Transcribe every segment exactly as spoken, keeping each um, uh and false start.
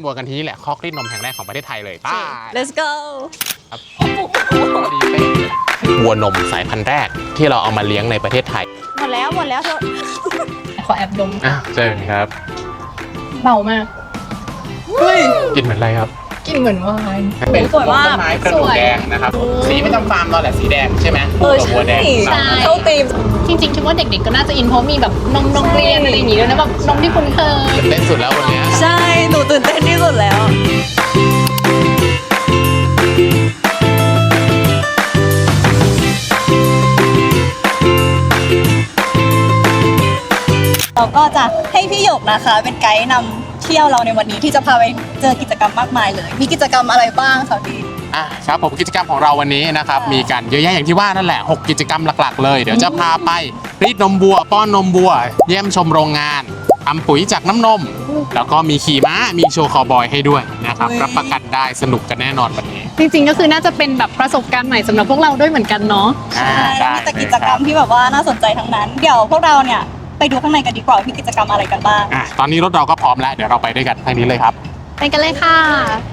มวัวกันที่นี่แหละคอกรีดนมแห่งแรกของประเทศไทยเลยไป let's go วัวนมสายพันธุ์แรกที่เราเอามาเลี้ยงในประเทศไทยหมดแล้วหมดแล้วเถอะขอแอบดมอ่ะเจอครับเบามากเฮ้ยกลิ่นเหมือนอะไรครับกลิ่นเหมือนวายเป็นต้นไม้กระดูกแดงนะครับสีไม่จำฟาร์มเราแหละสีแดงใช่ไหมเออวัวแดงเข้าตีมจริงๆคิดว่าเด็กๆก็น่าจะอินเพราะมีแบบนมนมเรียนอะไรอย่างงี้ด้วยนะแบบนมที่คุ้นเคยตื่นเต้นสุดแล้ววันนี้ใช่หนูตื่นเต้นที่สุดแล้วเราก็จะให้พี่หยกนะคะเป็นไกด์นำเที่ยวเราในวันนี้ที่จะพาไปเจอกิจกรรมมากมายเลยมีกิจกรรมอะไรบ้างคะพี่อ่ะครับผมกิจกรรมของเราวันนี้นะครับมีกันเยอะแยะอย่างที่ว่านั่นแหละหกกิจกรรมหลักๆเลยเดี๋ยวจะพาไปรีดนมวัวป้อนนมวัวเยี่ยมชมโรงงานทำปุ๋ยจากน้ำนมแล้วก็มีขี่ม้ามีโชว์คาวบอยให้ด้วยนะครับรับประกันได้สนุกกันแน่นอนวันนี้จริงๆก็คือน่าจะเป็นแบบประสบการณ์ใหม่สำหรับพวกเราด้วยเหมือนกันเนาะใช่แล้วมีแต่กิจกรรมที่แบบว่าน่าสนใจทั้งนั้นเดี๋ยวพวกเราเนี่ยไปดูข้างในกันดีกว่ามีกิจกรรมอะไรกันบ้างอ่ะตอนนี้รถเราก็พร้อมแล้วเดี๋ยวเราไปด้วยกันทางนี้เลยครับไปกันเลยค่ะ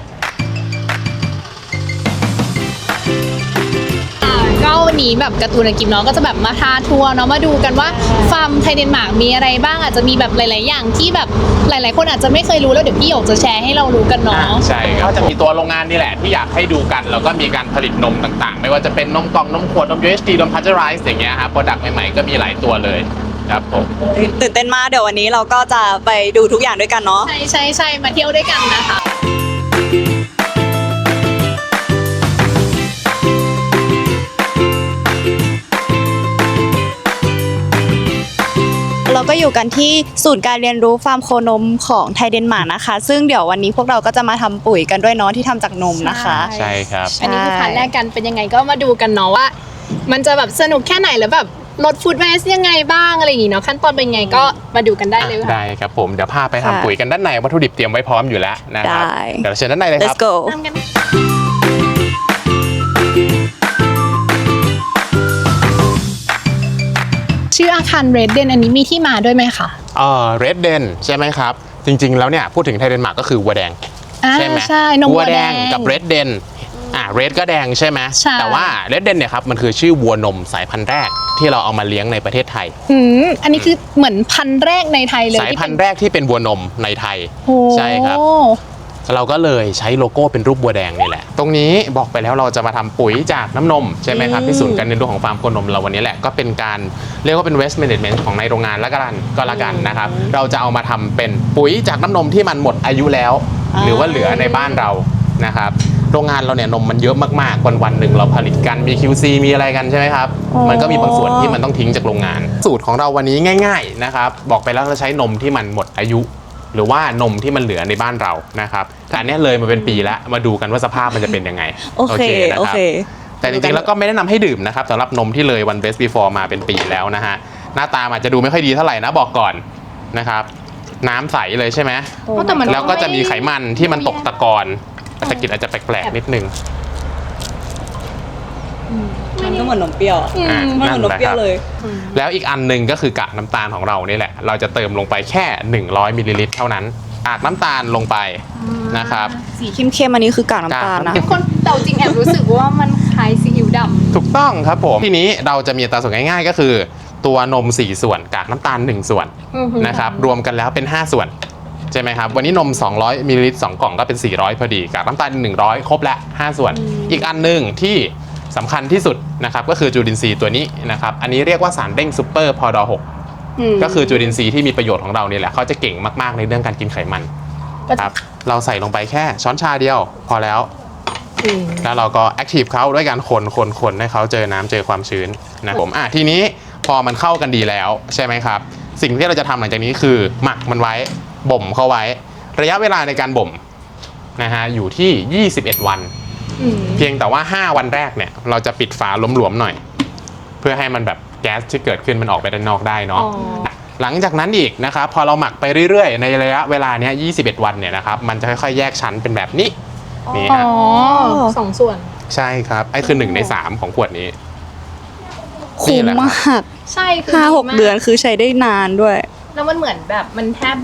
ก็วันนี้แบบการ์ตูนกิมเนาะก็จะแบบมาพาทัวร์เนาะมาดูกันว่าฟาร์มไทยเดนมาร์กมีอะไรบ้างอาจจะมีแบบหลายๆอย่างที่แบบหลายๆคนอาจจะไม่เคยรู้แล้วเดี๋ยวพี่หยกจะแชร์ให้เรารู้กันเนาะใช่ก็จะมีตัวโรงงานนี่แหละที่อยากให้ดูกันแล้วก็มีการผลิตนมต่างๆไม่ว่าจะเป็นนมกล่องนมขวดนม ยู เอช ที นมพาสเจอไรส์อย่างเงี้ยครับโปรดักต์ใหม่ๆก็มีหลายตัวเลยครับผมตื่นเต้นมากเดี๋ยววันนี้เราก็จะไปดูทุกอย่างด้วยกันเนาะใช่ใช่ใช่มาเที่ยวด้วยกันนะคะเราก็อยู่กันที่ศูนย์การเรียนรู้ฟาร์มโคนมของไทยเดนมาร์กนะคะซึ่งเดี๋ยววันนี้พวกเราก็จะมาทำปุ๋ยกันด้วยเนาะที่ทำจากนมนะคะใช่ครับอันนี้คือพาร์ทแรกกันเป็นยังไงก็มาดูกันเนาะว่ามันจะแบบสนุกแค่ไหนแล้วแบบลดฟู้ดเวสยังไงบ้างอะไรอย่างงี้เนาะขั้นตอนเป็นไงก็มาดูกันได้เลยค่ะได้ครับผมเดี๋ยวพาไปทำปุ๋ยกันด้านในวัตถุดิบเตรียมไว้พร้อมอยู่แล้วนะครับเดี๋ยวเชิญด้านในเลยครับ Let's go ทำกันชื่ออาคารเรดเดนอันนี้มีที่มาด้วยไหมคะเออเรดเดนใช่ไหมครับจริงๆแล้วเนี่ยพูดถึงไทยเดนมาร์กก็คือวัวแดงใช่ไหมใช่นมวัวแดงกับเรดเดนอ่าเรดก็แดงใช่ไหมแต่ว่าเรดเดนเนี่ยครับมันคือชื่อวัวนมสายพันธุ์แรกที่เราเอามาเลี้ยงในประเทศไทยอืมอันนี้คือเหมือนพันธุ์แรกในไทยเลยสายพันธุ์แรกที่เป็นวัวนมในไทยใช่ครับเราก็เลยใช้โลโก้เป็นรูปวัวแดงนี่แหละตรงนี้บอกไปแล้วเราจะมาทำปุ๋ยจากน้ำนมใช่ไหมครับที่ศูนย์การเรียนรู้ของฟาร์มโคนมเราวันนี้แหละก็เป็นการเรียกว่าเป็น waste management ของในโรงงานละกันก็ละกันนะครับเราจะเอามาทำเป็นปุ๋ยจากน้ำนมที่มันหมดอายุแล้วหรือว่าเหลือในบ้านเรานะครับโรงงานเราเนี่ยนมมันเยอะมากๆวันวันหนึ่งเราผลิตกันมี คิว ซี มีอะไรกันใช่ไหมครับมันก็มีบางส่วนที่มันต้องทิ้งจากโรงงานสูตรของเราวันนี้ง่ายๆนะครับบอกไปแล้วเราใช้นมที่มันหมดอายุหรือว่านมที่มันเหลือในบ้านเรานะครับแต่อันนี้เลยมาเป็นปีแล้วมาดูกันว่าสภาพมันจะเป็นยังไงโอเคโอเคแต่จริงๆแล้วก็ไม่แนะนำให้ดื่มนะครับสำหรับนมที่เลยวัน best before มาเป็นปีแล้วนะฮะหน้าตาอาจจะดูไม่ค่อยดีเท่าไหร่นะบอกก่อนนะครับน้ำใสเลยใช่ไหมแล้วก็จะมีไขมันที่มันตกตะกอนตะกิดอาจจะแปลกๆนิดนึงมันก็เหมือนนมเปรี้ยวมันเหมือนนมเปรี้ยวเลยแล้วอีกอันหนึ่งก็คือกากน้ำตาลของเรานี่แหละเราจะเติมลงไปแค่หนึ่งร้อยมิลลิลิตรเท่านั้นกากน้ำตาลลงไปนะครับสีเข้มๆอันนี้คือกากน้ำตาลนะคนแต่จริงแอบรู้สึกว่ามันคล้ายซีอิ๊วดำถูกต้องครับผมทีนี้เราจะมีอัตราส่วนง่ายๆก็คือตัวนมสี่ส่วนกากน้ำตาลหนึ่งส่วนนะครับรวมกันแล้วเป็นห้าส่วนใช่ไหมครับวันนี้นมสองร้อยมิลลิลิตรสองกล่องก็เป็นสี่ร้อยพอดีกากน้ำตาลหนึ่งร้อยครบละห้าส่วนอีกอันหนึ่งที่สำคัญที่สุดนะครับก็คือจุลินทรีย์ตัวนี้นะครับอันนี้เรียกว่าสารเด้งซูเปอร์พอดอหกก็คือจุลินทรีย์ที่มีประโยชน์ของเราเนี่ยแหละเขาจะเก่งมากๆในเรื่องการกินไขมันครับเราใส่ลงไปแค่ช้อนชาเดียวพอแล้วแล้วเราก็แอคทีฟเขาด้วยการคนคนคนให้เขาเจอน้ำเจอความชื้นนะผมอ่ะทีนี้พอมันเข้ากันดีแล้วใช่ไหมครับสิ่งที่เราจะทำหลังจากนี้คือหมักมันไว้บ่มเข้าไว้ระยะเวลาในการบ่มนะฮะอยู่ที่ยี่สิบเอ็ดวันเพียงแต่ว่าห้าวันแรกเนี่ยเราจะปิดฝาหลวมๆหน่อยเพื่อให้มันแบบแก๊สที่เกิดขึ้นมันออกไปด้านนอกได้เนาะหลังจากนั้นอีกนะครับพอเราหมักไปเรื่อยๆในระยะเวลาเนี้ยยี่สิบเอ็ดวันเนี่ยนะครับมันจะค่อยๆแยกชั้นเป็นแบบนี้นี่ฮะสองส่วนใช่ครับไอ้คือหนึ่งในสามของขวดนี้คุ้มมากใช่ห้าหกเดือนคือใช้ได้นานด้วยแล้วมันเหมือนแบบมันแทบแบบ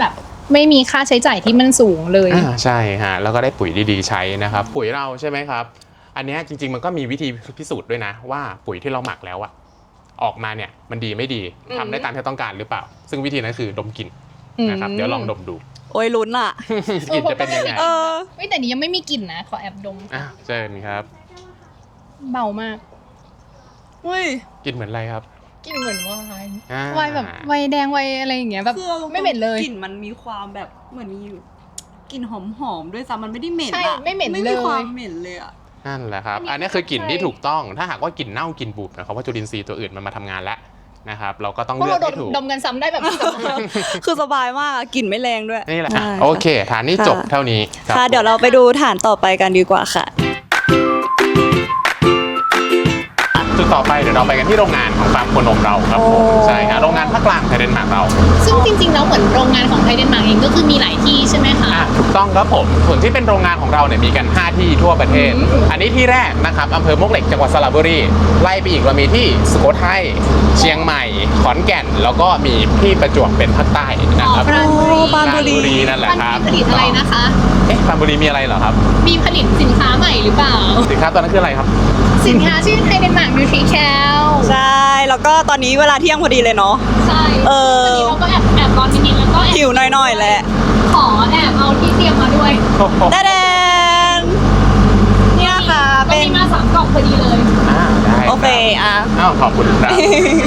ไม่มีค่าใช้จ่ายที่มันสูงเลยอ่าใช่ฮะแล้วก็ได้ปุ๋ยดีๆใช้นะครับปุ๋ยเราใช่ไหมครับอันเนี้ยจริงๆมันก็มีวิธีพิสูจน์ด้วยนะว่าปุ๋ยที่เราหมักแล้วอะออกมาเนี่ยมันดีไม่ดีอืมทำได้ตามที่ต้องการหรือเปล่า ซึ่งวิธีนั้นคือดมกลิ่นนะครับเดี๋ยวลองดมดูโอ้ยลุ้นอ่ะกลิ่นจะเป็นยังไงเออเฮ้ยแต่นี้ยังไม่มีกลิ่นนะ ขอแอบดมอ่ะเชิญครับเบามากเฮ้ยกลิ่นเหมือนอะไรครับกลิ่นเหมือนไวน์อ่าไวน์แบบไวน์แดงไวน์อะไรอย่างเงี้ยแบบคืออาตรงๆไม่เหม็นเลยกลิ่นมันมีความแบบเหมือนมีกลิ่นหอมๆด้วยซ้ำมันไม่ได้เหม็นใช่อะไม่เหม็นไม่เลมียความเหม็นเลยอะนั่นแหละครับอัอันนนี้นี้คือกลิ่นที่ใช่ถูกต้องถ้าหากว่ากลิ่นเน่ากลิ่นบูดนะครับว่าจุลินทรีย์ตัวอื่นมันมาทำงานแล้วนะครับเราก็ต้องพวกเลือเรากดมให้ถูกดมกันซ้ำได้แบบนี้ซ้ำคือสบายมากอะกลิ่นไม่แรงด้วยนี่แหละใช่โอเคฐานนี้จบเท่านี้รับค่ะ เดี๋ยวเราไปดูฐานต่อไปกันดีกว่าค่ะจุดต่อไปเดี๋ยวเราไปกันที่โรงงานของฟาร์มโคนมเราครับผมโอ้ใช่ครับโรงงานภาคกลางไทยเดนมาร์กเราซึ่งจริงๆแล้วเหมือนโรงงานของไทยเดนมาร์กเองก็คือมีหลายที่ใช่ไหมคะอ่ะถูกต้องครับผมส่วนที่เป็นโรงงานของเราเนี่ยมีกัน ห้า ที่ทั่วประเทศอืมอันนี้ที่แรกนะครับอำเภอมวกเหล็กจังหวัดสระบุรีไล่ไปอีกเรามีที่สุโขทัยเชียงใหม่ขอนแก่น แล้วก็มีที่ประจวบเป็นภาคใต้นะครับปราณบุรีปราณบุรีนั่นแหละมันครับมีผลิตอะไรนะคะเอ๊ะปรานบุรีมีอะไรเหรอครับมีผลิตสินค้าใหม่หรือเปล่าสินค้าตัวนั้นคืออะไรครับสินค้าชื่อไทยเดนมาร์กนิวทริแคลใช่ แล้วก็ตอนนี้เวลาเที่ยงพอดีเลยเนาะใช่เออวันนี้เราก็แอบแอบร้อนนิดๆแล้วก็แอบหิวหน่อยๆแหละขอแอบเอาที่เตรียมมาด้วยแดนนี่นะคะก็เป็นมีมาสามกล่องพอดีเลยอ่าได้โอเคอ่ะอ้าวขอบคุณครับ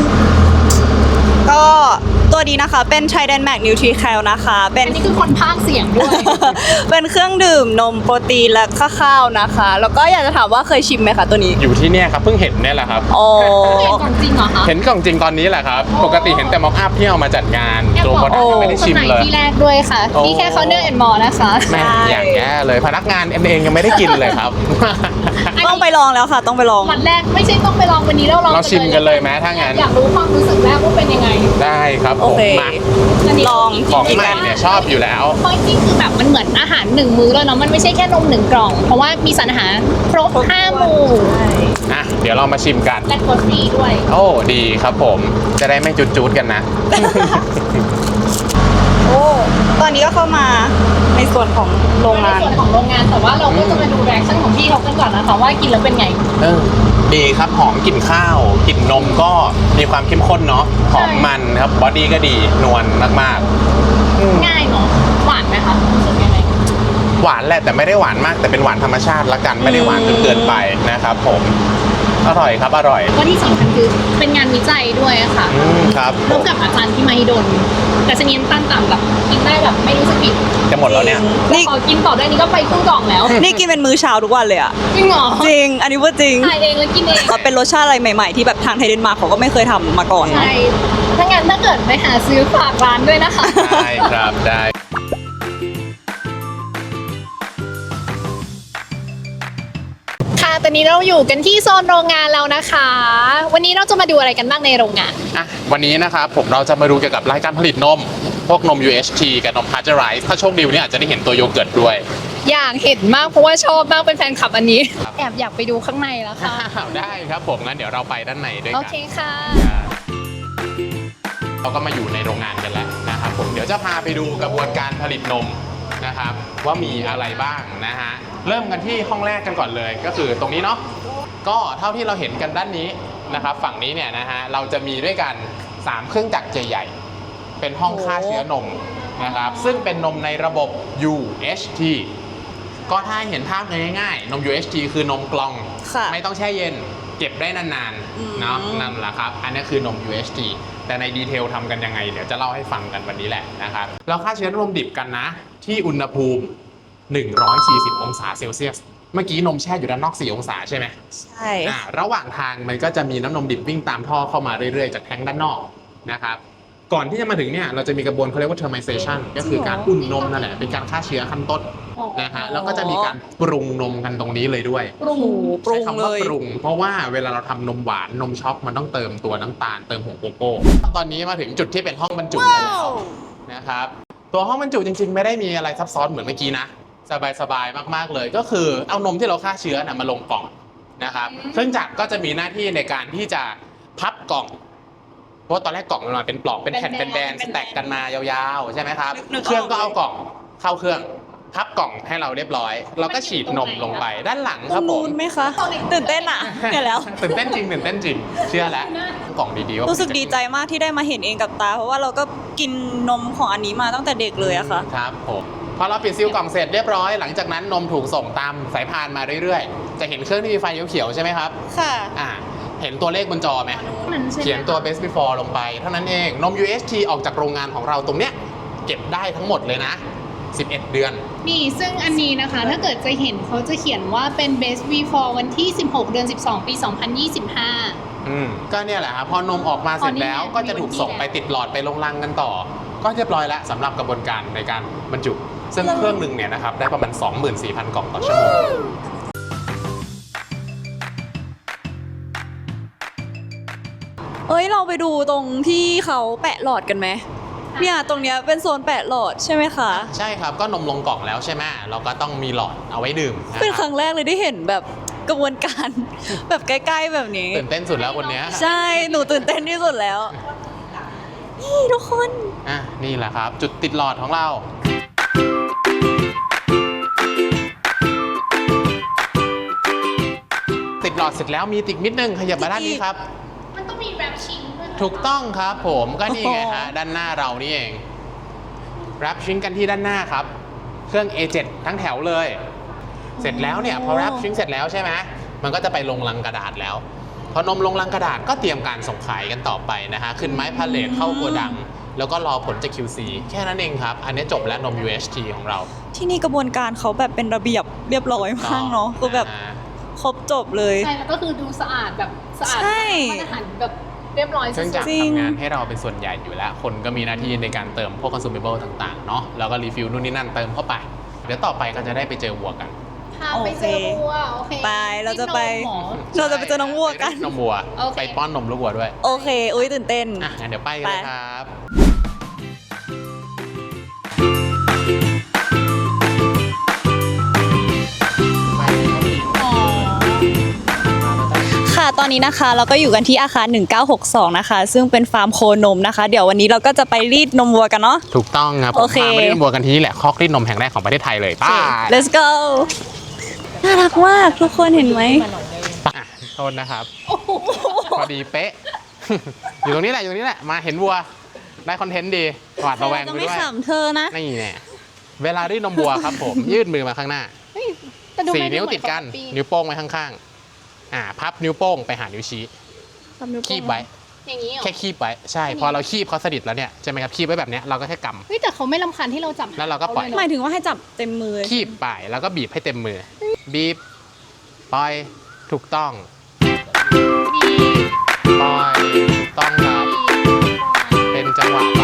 ก็ตัวนี้นะคะเป็น Trident Max Nutri-Cal นะคะ เป็นอันนี้คือคนพากย์เสียงด้วยเป็นเครื่องดื่มนมโปรตีนและข้าวๆนะคะ แล้วก็อยากจะถามว่าเคยชิมไหมคะตัวนี้อยู่ที่เนี่ยครับเพิ่งเห็นเนี่ยแหละครับโอ้เห็นของจริงเหรอคะเห็นกล่องจริงตอนนี้แหละครับ ปกติเห็นแต่ม็อกอัพที่เอามาจัดงานแอบตัวบโปอรกดักต์ยังไม่ได้ชิมคนไหนเลยที่แรกด้วยค่ะโอ้นี่แค่คอนเนอร์แอนด์มอลนะคะแม่อย่างแย่เลยพนักงานเองยังไม่ได้กินเลยครับต้องไปลองแล้วค่ะ ต้องไปลองวันแรกไม่ใช่ต้องไปลองวันนี้เราลองเราชิมกันเลยไหมถ้างั้นอยากรู้ความรู้สึกแรกว่าเป็นยังไงได้ครับผโอมเคมานนี้ลองของใหม่เนี่ยชอบอยู่แล้วเพราะจริงๆคือแบบมันเหมือนอาหารหนึ่งมื้อแล้วเนาะมันไม่ใช่แค่นมหนึ่งกล่อง เพราะว่ามีสารอาหารครบห้าหมู่อ่ะเดี๋ยวเรามาชิมกันและกดฟรีด้วยโอ้ดีครับผมจะได้ไม่จุดๆกันนะโอ้ ตอนนี้ก็เข้ามาในส่วนของโรงงานในส่วนของโรงงานแต่ว่าเราก็จะมาดูแรีแอคชั่นของพี่เขากันก่อนนะคะว่ากินแล้วเป็นไงเออดีครับหอมกลิ่นข้าวกลิ่นนมก็มีความเข้มข้นเนาะหอมมันครับบอดี้ก็ดีนวลมากๆอืมง่ายเนาะหวานไหมคะรู้สึกยังไงหวานแหละแต่ไม่ได้หวานมาก แต่เป็นหวานธรรมชาติละกันไม่ได้หวานจนเกินไปนะครับผมอร่อยครับอร่อยก็ที่สำคัญคือเป็นงานวิจัยด้วยอะค่ะอืมครับร่วมกับอาจารย์ที่มหิดลแต่ชนีน้ำตาลต่ำแบบกินได้แบบไม่รู้สึกผิดจะหมดแล้วเนี่ยนี่พอกินต่อได้นี้ก็ไปครึ่งกล่องแล้วนี่กินเป็นมื้อเช้าทุกวันเลยอะจริงเหรอจริง อันนี้พูดจริงถ่ายเองแล้วกินเองมันเป็นรสชาติอะไรใหม่ๆ ที่แบบทางไทยเดนมาร์กเขาก็ไม่เคยทำมาก่อนเนอะใช่ถ้างั้นถ้าเกิดไปหาซื้อฝากร้านด้วยนะคะได้ครับได้ค่ะตอนนี้เราอยู่กันที่โซนโรงงานแล้วนะคะ วันนี้เราจะมาดูอะไรกันบ้างในโรงงานอ่ะวันนี้นะครับผมเราจะมาดูเกี่ยวกับรายการผลิตนม พวกนม ยู เอช ที กับนม Pasteurized ถ้าโชคดีวันนี้อาจจะได้เห็นตัวโยเกิร์ตด้วยอยากเห็นมากเพราะว่าชอบมากเป็นแฟนคลับอันนี้ แอบอยากไปดูข้างในแล้วค่ะอ้าวได้ครับผมงั้นเดี๋ยวเราไปด้านในด้วยโอกันเคค่ะเราก็มาอยู่ในโรงงานกันแล้วนะครับผมเดี๋ยวจะพาไปดูกระบวนการผลิตนมนะครับว่ามีอะไรบ้างนะฮะเริ่มกันที่ห้องแรกกันก่อนเลยก็คือตรงนี้เนาะก็เท่าที่เราเห็นกันด้านนี้นะครับฝั่งนี้เนี่ยนะฮะเราจะมีด้วยกันสามเครื่องจักรใหญ่ๆเป็นห้องฆ่าเชื้อนมนะครับซึ่งเป็นนมในระบบ ยู เอช ที ก็ถ้าให้เห็นภาพง่ายๆนม ยู เอช ที คือนมกล่องค่ะไม่ต้องแช่เย็นเก็บได้นานอืมๆเนาะนั่นแหละครับอันนี้คือนม ยู เอช ที แต่ในดีเทลทำกันยังไงเดี๋ยวจะเล่าให้ฟังกันวันนี้แหละนะครับเราฆ่าเชื้อนมดิบกันนะที่อุณหภูมิหนึ่งร้อยสี่สิบองศาเซลเซียสเมื่อกี้นมแช่อยู่ด้านนอกสี่องศาใช่ไหมใช่อ่าระหว่างทางมันก็จะมีน้ำนมดิบวิ่งตามท่อเข้ามาเรื่อยๆจากแท้งด้านนอกนะครับก่อนที่จะมาถึงเนี่ยเราจะมีกระบวนเขาเรียกว่า thermization ก็คือการอุ่นนมนั่นแหละเป็นการฆ่าเชื้อขั้นต้นนะฮะแล้วก็จะมีการปรุงนมกันตรงนี้เลยด้วยปรุงโอ้โหปรุงใช้คำเลว่าย ปรุง เพราะว่าเวลาเราทำนมหวานนมช็อกมันต้องเติมตัวน้ำตาลเติมผงโกโก้ตอนนี้มาถึงจุดที่เป็นห้องบรรจุกันแล้วนะครับตัวห้องบรรจุจริงๆ ไม่ได้มีอะไรซับซ้อนเหมือนเมื่อกี้นะสบายๆมากๆเลยก็คือเอานมที่เราฆ่าเชื้อนะมาลงกล่องนะครับเครื่องจักรก็จะมีหน้าที่ในการที่จะพับกล่องเพราะว่าตอนแรกกล่องมันมาเป็นปลอกเป็นแผ่นเป็นแบนสแต็กกันมายาวๆใช่ไหมครับนึกออกเครื่องก็เอากล่องเข้าเครื่องพับกล่องให้เราเรียบร้อยแล้วก็ฉีดนมลงไปด้านหลังตครรับงผนู้มนไหมคะตื่นเต้นอ่ะเดี๋ยวแล้วตื่นเต้นจริงตื่นเต้นจริงเชื่อแล้วกล่องดีๆว่ารู้สึกดีใจมากที่ได้มาเห็นเองกับตา เพราะว่าเราก็กินนมของอันนี้มาตั้งแต่เด็กเลยอะค่ะครับผมพอเราปิดซีลกล่องเสร็จเรียบร้อยหลังจากนั้นนมถูกส่งตามสายพานมาเรื่อยๆจะเห็นเครื่องที่มีไฟเขียวๆใช่ไหมครับค่ะอ่าเห็นตัวเลขบนจอไหมมันใช่ไหมเขียนตัว best before ลงไปเท่านั้นเองนม ยู เอช ที ออกจากโรงงานของเราตรงเนี้ยเก็บได้ทั้งหมดเลยนะสิบเอ็ดเดือนนี่ซึ่งอันนี้นะคะ ถ้าเกิดจะเห็นเขาจะเขียนว่าเป็น best before วันที่สิบหกเดือนสิบสองปีสองพันยี่สิบห้าอืมก็เนี่ยแหละครับพอนมออกมาเสร็จแล้วอ๋อนี่ไงก็จะถูกส่งไปติดหลอดไปลงรังกันต่อ ก็เรียบร้อยแล้วสำหรับกระบวนการในการบรรจุ ซึ่งเครื่องหนึ่งเนี่ยนะครับได้ประมาณ สองหมื่นสี่พัน กล่องต่อชั่วโมงเอ้ยเราไปดูตรงที่เขาแปะหลอดกันไหมเนี่ยตรงเนี้ยเป็นโซนแปะหลอดใช่ไหมคะใช่ครับก็นมลงกล่องแล้วใช่ไหมเราก็ต้องมีหลอดเอาไว้ดื่มนะเป็นคครับ รั้งแรกเลยได้เห็นแบบกระบวนการ แบบใกล้ๆแบบนี้ตื่นเต้นสุดแล้วคนเนี้ยใช่หนูตื่นเต้นที่สุดแล้ว นี่ทุกคนอ่ะนี่แหละครับ จุดติดหลอดของเรา ติดหลอดเสร็จแล้วมีติดนิดนึงขยับมาด้านนี้ครับมันต้องมีแรปชิงด้วยถูกต้องครับผมก็นี่ไงฮะด้านหน้าเรานี่เองรับชิ้นกันที่ด้านหน้าครับ เครื่อง เอ เจ็ด ทั้งแถวเลย เสร็จแล้วเนี่ยพอรับชิ้นเสร็จแล้วใช่ไหมมันก็จะไปลงลังกระดาษแล้ว พอนมลงลังกระดาษก็เตรียมการส่งขายกันต่อไปนะฮะขึ้นไม้พาเลทเข้าโกดัง แล้วก็รอผลจาก คิว ซี แค่นั้นเองครับ อันนี้จบแล้วนม ยู เอช ที ของเราที่นี่กระบวนการเขาแบบเป็นระเบียบเรียบร้อยมากเนาะคือแบบอ่าครบจบเลยใช่แล้วก็คือดูสะอาดแบบสะอาดใช่มาตรฐานแบบเรียบร้อยเครื่องจักรจริงทำงานให้เราเป็นส่วนใหญ่อยู่แล้ว คนก็มีหน้าที่ในการเติมพวก consumable ต่างๆ เนาะแล้วก็รีฟิลนู่นนี่นั่นเติมเข้าไป เดี๋ยวต่อไปก็จะได้ไปเจอวัวกันพาไปเจอวัวโอเคไปเราจะไปที่นมหมอเราจะไปเจอน้องวัวกันไปนมวัวโอเคไปป้อนนมลูกวัวด้วยโอเค อุ้ยตื่นเต้นอ่ะงั้นเดี๋ยวไปกันเลยครับค่ะ ตอนนี้นะคะเราก็อยู่กันที่อาคารหนึ่งเก้าหกสองนะคะ ซึ่งเป็นฟาร์มโคนมนะคะ เดี๋ยววันนี้เราก็จะไปรีดนมวัวกันเนาะถูกต้องครับผมโอเคพามาเล่นวัวกันที่นี่แหละคอกรีดนมแห่งแรกของประเทศไทยเลยไป้า let's go น่ารักมากทุกคนเห็นไหมโทษนะครับ พอดีเป๊ะ อยู่ตรงนี้แหละอยู่ตรงนี้แหละ มาเห็นวัว ได้คอนเทนต์ดีหวาดระแวงจะไปไม่ด้วยขำเธอนะนี่แน่เวลารีดนมวัวครับผม ยื่นมือมาข้างหน้าเฮ้ยแต่ดูสี่ไม่นิ้วเหมือติดกันของปีนิ้วโป้งไว้ข้างๆ อ่า พับนิ้วโป้งไปหานิ้วชี้ คีบไว้อย่างนี้เหรอแค่คีบไว้ ใช่ พอเราคีบเขาสนิทแล้วเนี่ยใช่ไหมครับ คีบไว้แบบเนี้ยเราก็แค่กเฮ้ยแต่เขาไม่รำคาญที่เราจับแล้วเราก็ปล่อยขหมายเนะถึงว่าให้จับเต็มมือำคีบไปแล้วก็บีบให้เต็มมือ บีบ ปล่อย ถูกต้องมีปล่อย ถูกต้องครับ เป็นจังหวะไป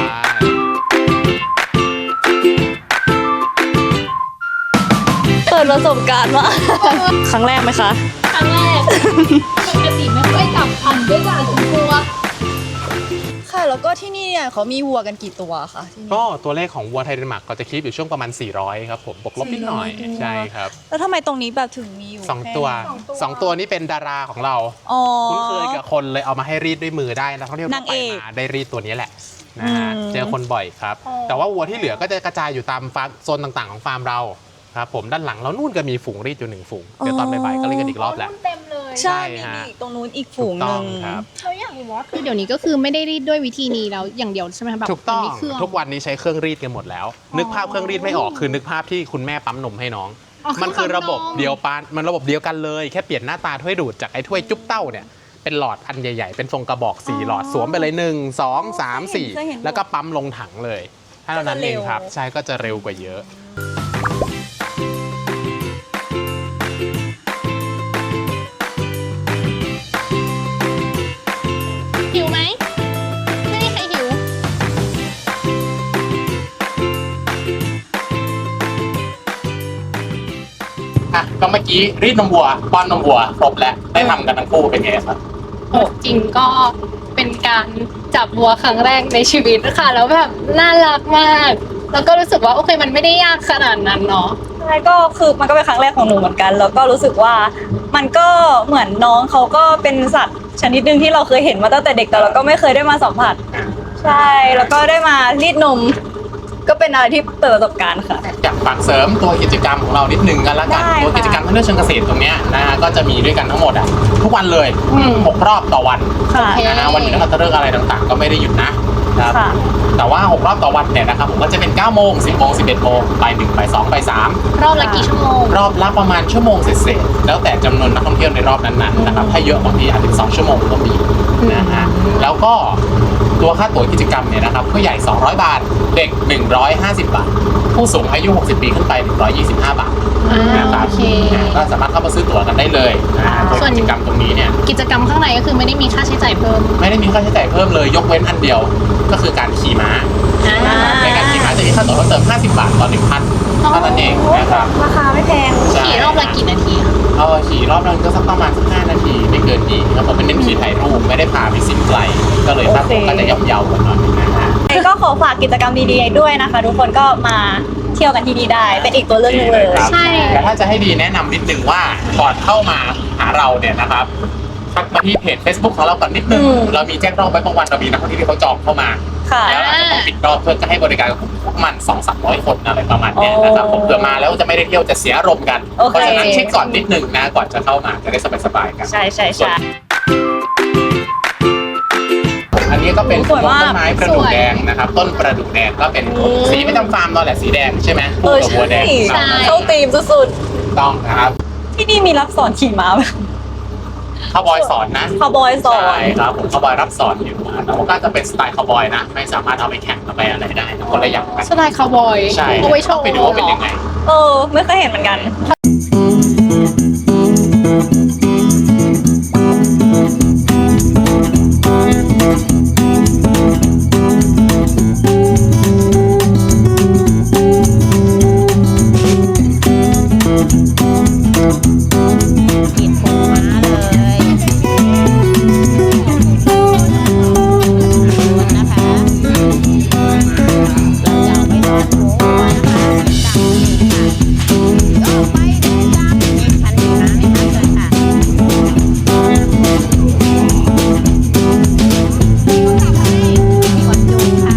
เปิดประสบการณ์มา ครั้งแรกไหมคะครั้งแรกปกติไม่ค่อยจับพันด้วยกันคุณกลัวค่ะ แล้วก็ที่นี่เนี่ยเขามีวัวกันกี่ตัวคะที่นี่ก็ตัวเลขของวัวไทยเดนมาร์กก็จะคีบอยู่ช่วงประมาณ สี่ร้อย ครับผมบวกลบนิดหน่อยสี่ร้อยตัวใช่ครับแล้วทำไมตรงนี้แบบถึงมีอยู่สองแค่ตัวสองตัวนี้เป็นดาราของเราอ๋อคุ้นเคยกับคนเลยเอามาให้รีดด้วยมือได้นักท่องเที่ยวทั่นาว งไปเอกมาได้รีดตัวนี้แหละนะฮะอืมเจอคนบ่อยครับอ๋อแต่ว่าวัวที่เหลือก็จะกระจายอยู่ตามฟาร์มโซนต่างๆของฟาร์มเราครับผมด้านหลังเรานู่นก็มีฝูงรีดอยู่หนึ่งฝูงเดี๋ยวตอนบ่ายๆก็รีดกันอีกรอบแล้วเต็มเลยใช่ใช่มีฮะอีกตรงนู้นอีกฝูงหต้นึ่อง งครับเราอยากรู้ว่าคือเดี๋ยวนี้ก็คือไม่ได้รีดด้วยวิธีนี้แล้วอย่างเดียวใช่ไหมคะแบบถูกต้องมันมีเครื่องทุกวันนี้ใช้เครื่องรีดกันหมดแล้ว นึกภาพเครื่องรีดไม่ออกคือนึกภาพที่คุณแม่ปั๊มนมให้น้องอ๋อมันคือระบบปั๊มนมเดียวปานมันระบบเดียวกันเลย แค่เปลี่ยนหน้าตาถ้วยดูดจากไอ้ถ้วยจุ๊บเต้าเนี่ยเป็นหลอดอันใหญ่ๆ เป็นทรงกระบอกสี่หลอดสวมไปเลยหนึ่งสองสามสี่เคยเห็นแล้วก็ปั๊มลงถังเลยเท่านั้นเองครับ ใช่ก็จะเร็วกว่าเยอะหิวไหมไม่มีใครหิวอ่ะก็เมื่อกี้รีดนมวัวป้อนนมวัวครบแล้วได้ทำกันทั้งคู่เป็นไงครับโหจริงก็เป็นการจับวัวครั้งแรกในชีวิตค่ะแล้วแบบน่ารักมาก แล้วก็รู้สึกว่าโอเคมันไม่ได้ยากขนาดนั้นเนาะใช่ก็คือมันก็เป็นครั้งแรกของหนูเหมือนกัน แล้วก็รู้สึกว่ามันก็เหมือนน้องเขาก็เป็นสัตว์ชนิดหนึ่งที่เราเคยเห็นมาตั้งแต่เด็กแต่เราก็ไม่เคยได้มาสัมผัส ใช่แล้วก็ได้มารีดนม ก็เป็นอะไรที่เปิดประสบการณ์ค่ะอยากฝากเสริมตัวกิจกรรมของเรานิดนึงกันละกันได้ตัวกิจกรรมทางเรื่องเชิงเกษตรตรงเนี้ยนะฮะก็จะมีด้วยกันทั้งหมดอ่ะทุกวันเลยอืมหกรอบต่อวันค่ะโอเคนะฮะวันหยุดนักขัตฤกษ์อะไรต่างๆ ก็ไม่ได้หยุดนะครับค่ะแต่ว่าหกรอบต่อวันเนี่ยนะครับผมก็จะเป็นเก้าโมงสิบโมงสิบเอ็ดโมงบ่ายหนึ่งบ่ายสองบ่ายสามรอบละกี่ชั่วโมงรอบละประมาณชั่วโมงเศษๆแล้วแต่จำนวนนักท่องเที่ยวในรอบนั้นๆนะครับถ้าเยอะบางทีอาจถึงสองชั่วโมงก็มีนะฮะแล้วก็ตัวค่าตั๋วกิจกรรมเนี่ยนะครับผู้ใหญ่สองร้อยบาทเด็กหนึ่งร้อยห้าสิบบาทผู้สูงอายุหกสิบปีขึ้นไปหนึ่งร้อยยี่สิบห้าบาทอ่านะครับโอเคก็สามารถเข้ามาซื้อตั๋วกันได้เลยนะฮะตัวส่วนกิจกรรมตรงนี้เนี่ยกิจกรรมข้างในก็คือไม่ได้มีค่าใช้จ่ายเพิ่มไม่ได้มีค่าใช้จ่ายเพิ่มเลยยกเว้นอันเดียวก็คือการขี่ม้าอ่าในการขี่ม้าจะมีค่าตั๋วเพิ่มเติมห้าสิบบาทต่อหนึ่งพันเท่านั้นเองนะครับราคาไม่แพงใช่ขี่รอบละกี่นาทีคะเออขี่รอบนึงก็สักประมาณสักห้านาทีไม่เกินนี้ครับผมเป็นเน้นขี่ถ่ายรูปไม่ได้พาไปซิ่งไกลก็เลยค่าตั๋วก็จะย่อมเยาว์กันหน่อยนะฮะก็ขอฝากกิจกรรมดีๆด้วยนะคะ ทุกคนก็มาเที่ยวกันที่นี่ได้ เป็นอีกตัวเลือกหนึงเลยครับใช่แต่ถ้าจะให้ดีแนะนำนิดนึงว่าก่อนเข้ามาหาเราเนี่ยนะครับทักมาที่เพจ Facebook ของเราก่อนนิดนึงอืมเรามีแจ้งรอบไว้บางวันเรามีนักท่องเที่ยวที่เขาจองเข้ามาค่ะแล้วเราจะต้องปิดรอบเพื่อจะให้บริการกับพวกมันสองสามร้อยคนอะไรประมาณเนี้ยนะครับผมเผื่อมาแล้วจะไม่ได้เที่ยวจะเสียอารมณ์กันโอเคเพราะฉะนั้นเช็คก่อนนิดนึงนะก่อนจะเข้ามาจะได้สบายๆกันใช่ใช่ส่วนใช่อันนี้ก็เป็นสวยมากต้นไม้ประดู่แดงนะครับต้นประดู่แดงก็เป็นอืมสีประจำฟาร์มเราแหละสีแดงใช่ไหมเอคู่อกับใช่บัวแดงใช่เข้าธีมสุดต้องนะครับๆ ที่นี่มีรับสอนขี่ม้าไหมคาวบอยสอนนะคาวบอยสอนใช่ครับผมคาวบอยรับสอนอยู่นะแต่ว่าก็จะเป็นสไตล์คาวบอยนะไม่สามารถเอาไปแข่งเอาไปอะไรได้นะคนละอย่างกันสไตล์คาวบอยใช่เอาไว้โชว์ไปดูว่าเป็นยังไงเออ ไม่เคยเห็นเหมือนกันกินปูม้าเลยนะคะเราจะเอาไปทอดหมูนะคะตามนี้ค่ะก็ไปเลยตามนี้คันนี้นะไม่ทันเลยค่ะมีคนดูค่ะ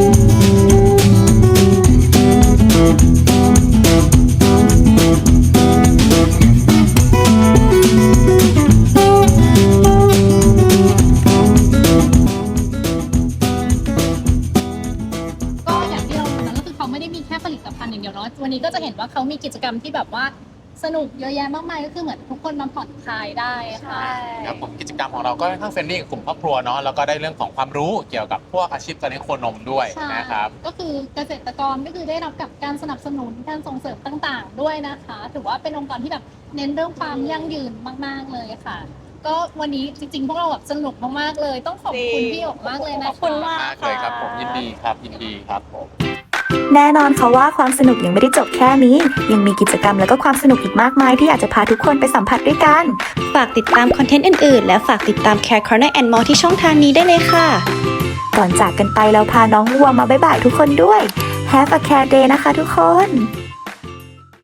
ก็อย่างที่เรารู้นะก็คือเขาไม่ได้มีแค่ผลิตภัณฑ์อย่างเดียวเนาะวันนี้ก็จะเห็นว่าเขามีกิจกรรมที่แบบว่าสนุกเยอะแยะมากมายก็คือเหมือนทุกคนมาผ่อนคลายได้ค่ะครับผมกิจกรรมของเราก็ค่อนข้างเฟรนลี่กับกลุ่มครอบครัวเนาะแล้วก็ได้เรื่องของความรู้เกี่ยวกับพวกอาชีพการเลี้ยงโคนมด้วยใช่นะครับก็คือเกษตรกรก็คือได้รับกับการสนับสนุนการส่งเสริมต่างๆ ด้วยนะคะ ถือว่าเป็นองค์กรที่แบบเน้นเรื่องความยั่งยืนมากๆเลยค่ะ ก็วันนี้จริงๆ พวกเราแบบสนุกมากๆเลย ต้องขอบคุณพี่หยกมากเลยนะคะขอบคุณมากมากเลยครับผมยินดีครับยินดีครับผมแน่นอนค่ะว่าความสนุกยังไม่ได้จบแค่นี้ ยังมีกิจกรรมและก็ความสนุกอีกมากมายที่อยากจะพาทุกคนไปสัมผัสด้วยกันฝากติดตามคอนเทนต์อื่นๆ และฝากติดตาม Care Corner and More ที่ช่องทางนี้ได้เลยค่ะก่อนจากกันไปเราพาน้องวัวมาบ๊ายบายทุกคนด้วย Have a care day นะคะทุกคน